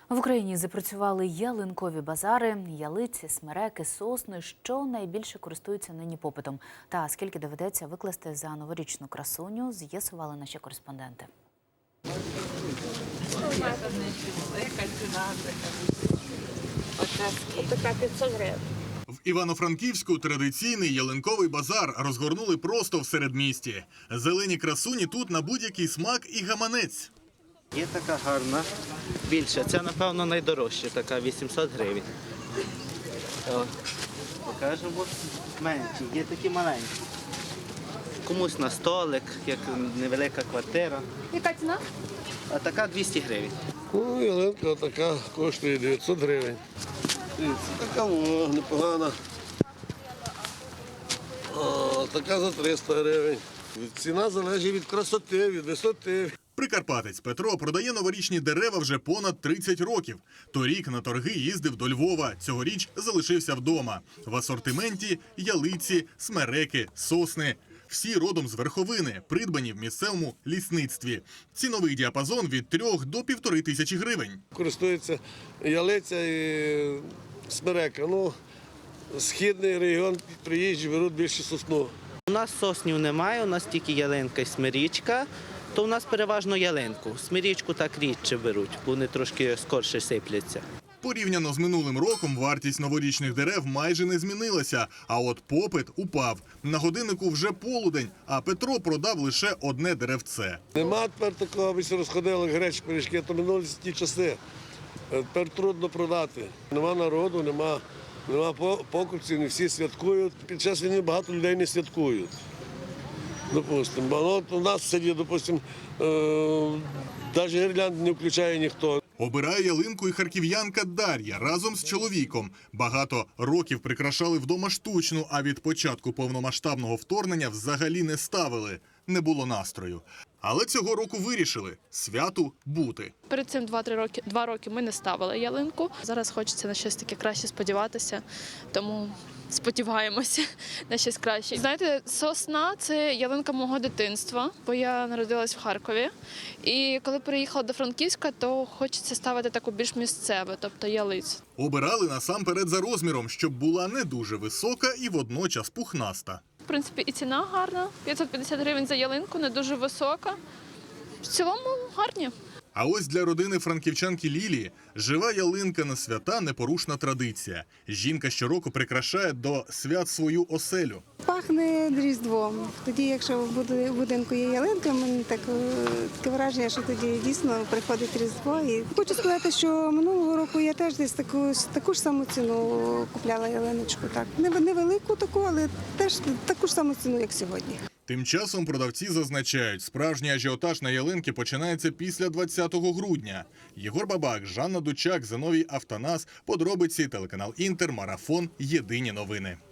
В Україні запрацювали ялинкові базари, ялиці, смереки, сосни. Що найбільше користуються нині попитом? Та скільки доведеться викласти за новорічну красуню, з'ясували наші кореспонденти. Така 500 гривень. В Івано-Франківську традиційний ялинковий базар розгорнули просто в середмісті. Зелені красуні тут на будь-який смак і гаманець. Є така гарна, більша. Це, напевно, найдорожча, така 800 гривень. Покажемо менші, є такі маленькі. Комусь на столик, як невелика квартира. Яка ціна? А така 200 гривень. Ну, ялинка така коштує 900 гривень. Це така непогана. Така за 300 гривень. Ціна залежить від красоти, від висоти. Прикарпатець Петро продає новорічні дерева вже понад 30 років. Торік на торги їздив до Львова, цьогоріч залишився вдома. В асортименті ялиці, смереки, сосни. Всі родом з верховини, придбані в місцевому лісництві. Ціновий діапазон від 3 до 1500 гривень. Користується ялиця і смерека. Ну, східний регіон приїжджі беруть більше сосну. У нас соснів немає, у нас тільки ялинка і смирічка, то у нас переважно ялинку. Смирічку так рідше беруть, бо вони трошки скорше сипляться. Порівняно з минулим роком вартість новорічних дерев майже не змінилася, а от попит упав. На годиннику вже полудень, а Петро продав лише одне деревце. Нема тепер такого, аби розходили гречі, пиріжки, то минулі ті часи. Тепер трудно продати. Нема народу, нема покупців, не всі святкують. Під час війни багато людей не святкують. Допустимо. У нас в селі, допустимо, навіть гірлянд не включає ніхто. Обирає ялинку і харків'янка Дар'я разом з чоловіком. Багато років прикрашали вдома штучну, а від початку повномасштабного вторгнення взагалі не ставили. Не було настрою. Але цього року вирішили – святу бути. Перед цим 2 роки ми не ставили ялинку. Зараз хочеться на щось таке краще сподіватися, тому сподіваємося на щось краще. Знаєте, сосна – це ялинка мого дитинства, бо я народилась в Харкові. І коли переїхала до Франківська, то хочеться ставити таку більш місцеву, тобто ялицю. Обирали насамперед за розміром, щоб була не дуже висока і водночас пухнаста. В принципі, і ціна гарна – 550 гривень за ялинку, не дуже висока. В цілому гарні. А ось для родини франківчанки Лілії жива ялинка на свята – непорушна традиція. Жінка щороку прикрашає до свят свою оселю. Пахне Різдвом. Тоді, якщо в будинку є ялинка, мені таке враження, що тоді дійсно приходить Різдво. І хочу сказати, що минулого року я теж десь таку ж саму ціну купляла ялиночку. Так. Невелику таку, але теж таку ж саму ціну, як сьогодні. Тим часом продавці зазначають, справжній ажіотаж на ялинки починається після 20 грудня. Єгор Бабак, Жанна Дучак, Зиновій Автонас, подробиці, телеканал Інтер, Марафон, Єдині новини.